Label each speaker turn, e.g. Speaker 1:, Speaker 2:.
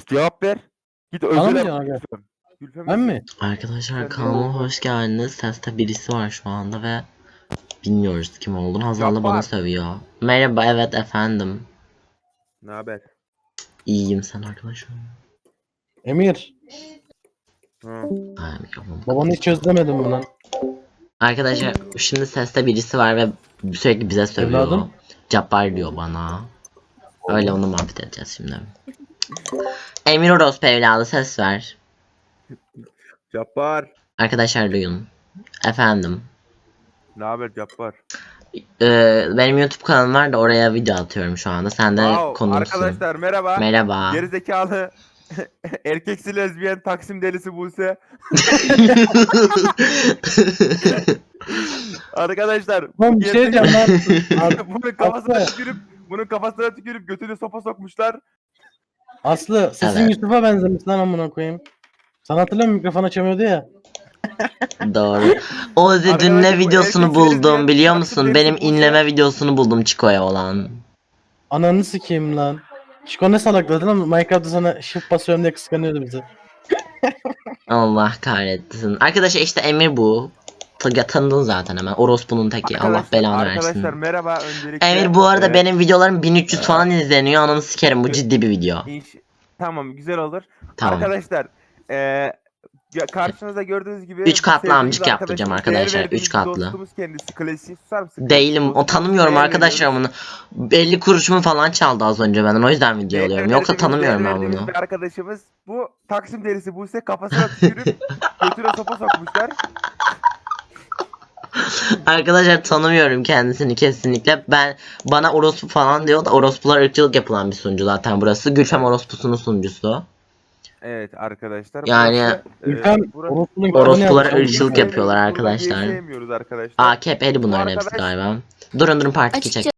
Speaker 1: Cevap ver. Git
Speaker 2: Bana mı
Speaker 1: özele
Speaker 2: diyorsun aga?
Speaker 1: Gülfem. Gülfem
Speaker 2: Ben
Speaker 1: misin?
Speaker 2: mi?
Speaker 3: Arkadaşlar
Speaker 1: Sen
Speaker 3: kanalıma
Speaker 1: değil.
Speaker 3: hoş geldiniz. Seste birisi var şu anda ve bilmiyoruz kim olduğunu. Hazal da bana
Speaker 1: Cabbar.
Speaker 3: sövüyor. Merhaba, evet efendim.
Speaker 1: Ne haber?
Speaker 3: İyiyim, sen arkadaşım.
Speaker 2: Emir.
Speaker 1: Ha.
Speaker 3: Ay, mikrofonu
Speaker 2: Babanı hiç özlemedim mi lan?
Speaker 3: Arkadaşlar şimdi seste birisi var ve sürekli bize sövüyor.
Speaker 2: Evladım.
Speaker 3: Cabbar diyor bana. Öyle onu muhabbet edeceğiz şimdi. Emir Orospu evladı, ses ver.
Speaker 1: Cabbar.
Speaker 3: Arkadaşlar duyun. Efendim.
Speaker 1: Ne haber Cabbar?
Speaker 3: Benim YouTube kanalım var da oraya video atıyorum şu anda. Sen de
Speaker 1: Wow,
Speaker 3: konuğsun.
Speaker 1: arkadaşlar merhaba.
Speaker 3: Merhaba.
Speaker 1: Gerizekalı erkeksi lezbiyen Taksim delisi Buse. Arkadaşlar
Speaker 2: Lan bir şey diyeceğim lan.
Speaker 1: bunun kafasına tükürüp götüne sopa sokmuşlar.
Speaker 2: Aslı sesin
Speaker 3: Evet.
Speaker 2: Yusuf'a benzemiş lan amına koyayım. Sen hatırlıyor musun mikrofon açamıyordu ya.
Speaker 3: Doğru. Ozi dün
Speaker 1: Arkadaşlar,
Speaker 3: ne
Speaker 1: bu
Speaker 3: videosunu
Speaker 1: erkeksiz
Speaker 3: buldum
Speaker 1: lezbiyen
Speaker 3: biliyor
Speaker 1: Taksim
Speaker 3: musun?
Speaker 1: delisi
Speaker 3: Benim
Speaker 1: Buse.
Speaker 3: inleme videosunu buldum Chico'ya olan.
Speaker 2: Ananı sikeyim lan. Şiko ne salakladı lan? Minecraft'ta sana shift basıyorum diye kıskanıyordu bizi.
Speaker 3: Allah kahretsin. Arkadaşlar işte Emir bu. Tanıdın zaten hemen. Orospu'nun teki. Allah belanı
Speaker 1: Arkadaşlar
Speaker 3: versin.
Speaker 1: merhaba öncelikle.
Speaker 3: Emir bu arada
Speaker 1: Ee,
Speaker 3: benim videolarım 1300 falan izleniyor. Ananı sikerim, bu ciddi bir video.
Speaker 1: Tamam güzel olur.
Speaker 3: Tamam.
Speaker 1: Arkadaşlar karşınızda gördüğünüz gibi
Speaker 3: 3 katlı
Speaker 1: sevdiğimiz
Speaker 3: amcık yaptıracağım
Speaker 1: arkadaşımız, değer
Speaker 3: arkadaşlar,
Speaker 1: verdiğimiz
Speaker 3: üç katlı.
Speaker 1: Dostumuz kendisi. Klasik susar mısın?
Speaker 3: Değilim. O
Speaker 1: Dostumuz,
Speaker 3: tanımıyorum
Speaker 1: değer
Speaker 3: arkadaşlar
Speaker 1: veriyoruz.
Speaker 3: bunu. 50 kuruşumu falan çaldı az önce benden. O yüzden video alıyorum. Yoksa tanımıyorum ben
Speaker 1: Değer
Speaker 3: bunu.
Speaker 1: verdiğimiz bir arkadaşımız. Bu Taksim delisi Buse kafasına tükürüp götüne sopa sokmuşlar.
Speaker 3: Arkadaşlar tanımıyorum kendisini kesinlikle. Bana orospu falan diyor da orospular ırkçılık yapılan bir sunucu zaten burası. Gülfem orospusunun sunucusu.
Speaker 1: Evet arkadaşlar.
Speaker 3: Yani
Speaker 2: Ülkem
Speaker 1: burası-
Speaker 2: Orospu'nun
Speaker 3: orospulara
Speaker 2: kitabını
Speaker 3: ırkçılık
Speaker 2: yapmış.
Speaker 3: yapıyorlar
Speaker 1: Burada
Speaker 3: arkadaşlar.
Speaker 1: gay sevmiyoruz arkadaşlar.
Speaker 3: AKP'li bunların
Speaker 1: Bu
Speaker 3: hepsi
Speaker 1: arkadaş-
Speaker 3: galiba. Durun part 2 çek.
Speaker 4: Açıkça